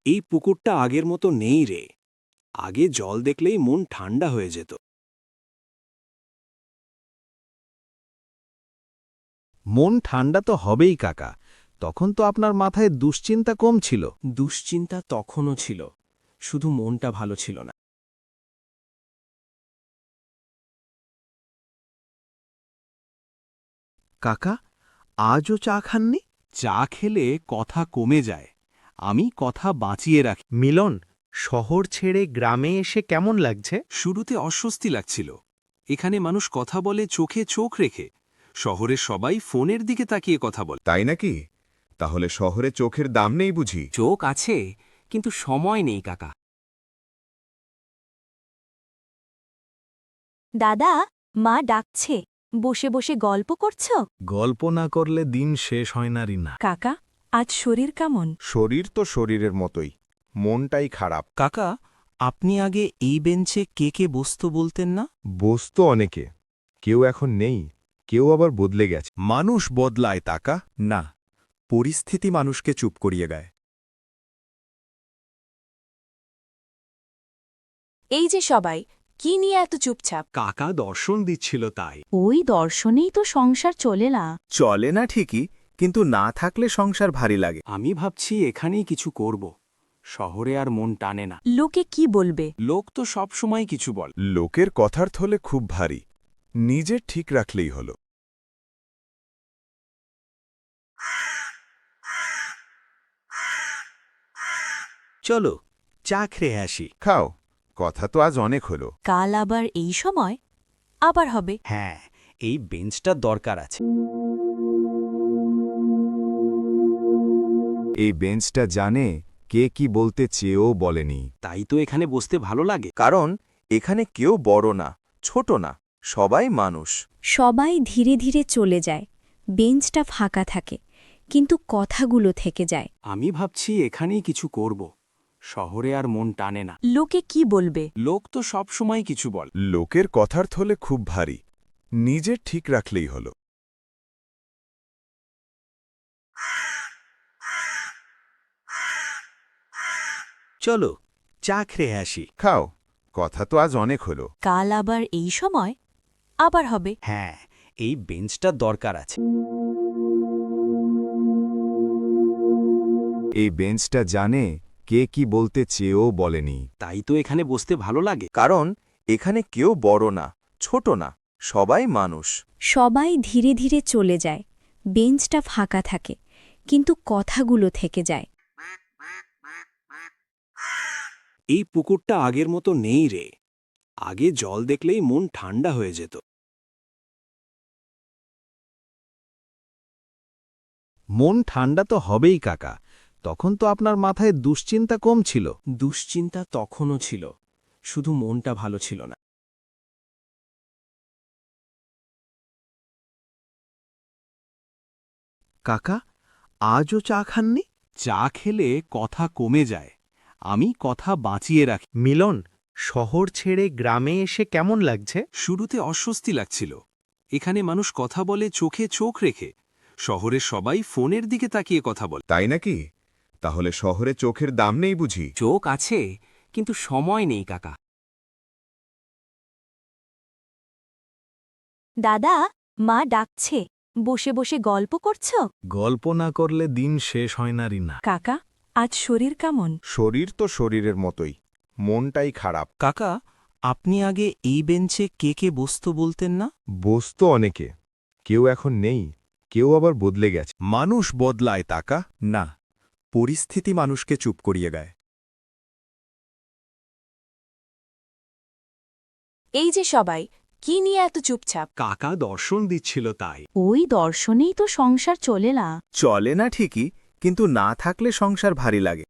এই পুকুরটা আগের মতো নেই রে। আগে জল দেখলেই মন ঠান্ডা হয়ে যেত। মন ঠান্ডা তো হবেই কাকা, তখন তো আপনার মাথায় দুশ্চিন্তা কম ছিল। দুশ্চিন্তা তখনও ছিল, শুধু মনটা ভালো ছিল না। কাকা, আজও চা খাননি? চা খেলে কথা কমে যায়, আমি কথা বাঁচিয়ে রাখি। মিলন, শহর ছেড়ে গ্রামে এসে কেমন লাগছে? শুরুতে অস্বস্তি লাগছিল। এখানে মানুষ কথা বলে চোখে চোখ রেখে, শহরের সবাই ফোনের দিকে তাকিয়ে কথা বলে। তাই নাকি? তাহলে শহরে চোখের দাম নেই বুঝি? চোখ আছে, কিন্তু সময় নেই কাকা। দাদা, মা ডাকছে, বসে বসে গল্প করছ? গল্প না করলে দিন শেষ হয় না রিনা। কাকা, আজ শরীর কেমন? শরীর তো শরীরের মতোই, মনটাই খারাপ। কাকা, আপনি আগে এই বেঞ্চে কে কে বসত বলতেন না? বসতো অনেকে, কেউ এখন নেই, কেউ আবার বদলে গেছে। মানুষ বদলায় তাকা। না, পরিস্থিতি মানুষকে চুপ করিয়ে গায়। এই যে সবাই, কি নিয়ে এত চুপচাপ? কাকা দর্শন দিচ্ছিল তাই। ওই দর্শনেই তো সংসার চলে না। চলে না ঠিকই, কিন্তু না থাকলে সংসার ভারী লাগে। আমি ভাবছি এখানেই কিছু করব। শহরে আর মন টানে না। লোকে কি বলবে? লোক তো সব সময় কিছু বল। লোকের কথার থলে খুব ভারী, নিজের ঠিক রাখলেই হলো। চলো চা খেয়ে আসি। খাও, কথা তো আজ অনেক হলো। কাল আবার এই সময় আবার হবে। হ্যাঁ, এই বেঞ্চটা দরকার আছে। এই বেঞ্চটা জানে কে কি বলতে চেয়েও বলেনি। তাই তো এখানে বসতে ভালো লাগে। কারণ এখানে কেউ বড় না, ছোট না, সবাই মানুষ। সবাই ধীরে ধীরে চলে যায়, বেঞ্চটা ফাঁকা থাকে, কিন্তু কথাগুলো থেকে যায়। আমি ভাবছি এখানেই কিছু করব। শহরে আর মন টানে না। লোকে কি বলবে? লোক তো সব সময় কিছু বল। লোকের কথার থলে খুব ভারী, নিজের ঠিক রাখলেই হলো। চলো চা খেয়ে আসি। খাও, কথা তো আজ অনেক হলো। কাল আবার এই সময় আবার হবে। হ্যাঁ, এই বেঞ্চটা দরকার আছে। এই বেঞ্চটা জানে কে কি বলতে চেয়েও বলেনি। তাই তো এখানে বসতে ভালো লাগে। কারণ এখানে কেউ বড় না, ছোট না, সবাই মানুষ। সবাই ধীরে ধীরে চলে যায়, বেঞ্চটা ফাঁকা থাকে, কিন্তু কথাগুলো থেকে যায়। এই পুকুরটা আগের মতো নেই রে। আগে জল দেখলেই মন ঠান্ডা হয়ে যেত। মন ঠান্ডা তো হবেই কাকা, তখন তো আপনার মাথায় দুশ্চিন্তা কম ছিল। দুশ্চিন্তা তখনও ছিল, শুধু মনটা ভালো ছিল না। কাকা, আজও চা খাননি? চা খেলে কথা কমে যায়, আমি কথা বাঁচিয়ে রাখি। মিলন, শহর ছেড়ে গ্রামে এসে কেমন লাগছে? শুরুতে অস্বস্তি লাগছিল। এখানে মানুষ কথা বলে চোখে চোখ রেখে, শহরের সবাই ফোনের দিকে তাকিয়ে কথা বলে। তাই নাকি? তাহলে শহরে চোখের দাম নেই বুঝি? চোখ আছে, কিন্তু সময় নেই কাকা। দাদা, মা ডাকছে, বসে বসে গল্প করছ? গল্প না করলে দিন শেষ হয় না রিনা। কাকা, আজ শরীর কেমন? শরীর তো শরীরের মতোই, মনটাই খারাপ। কাকা, আপনি আগে এই বেঞ্চে কে কে বসত বলতেন না? বসতো অনেকে, কেউ এখন নেই, কেউ আবার বদলে গেছে। মানুষ বদলায় তাকা। না, পরিস্থিতি মানুষকে চুপ করিয়ে গায়। এই যে সবাই, কি নিয়ে এত চুপচাপ? কাকা দর্শন দিচ্ছিল তাই। ওই দর্শনেই তো সংসার চলে না। চলে না ঠিকই, কিন্তু না থাকলে সংসার ভারী লাগে।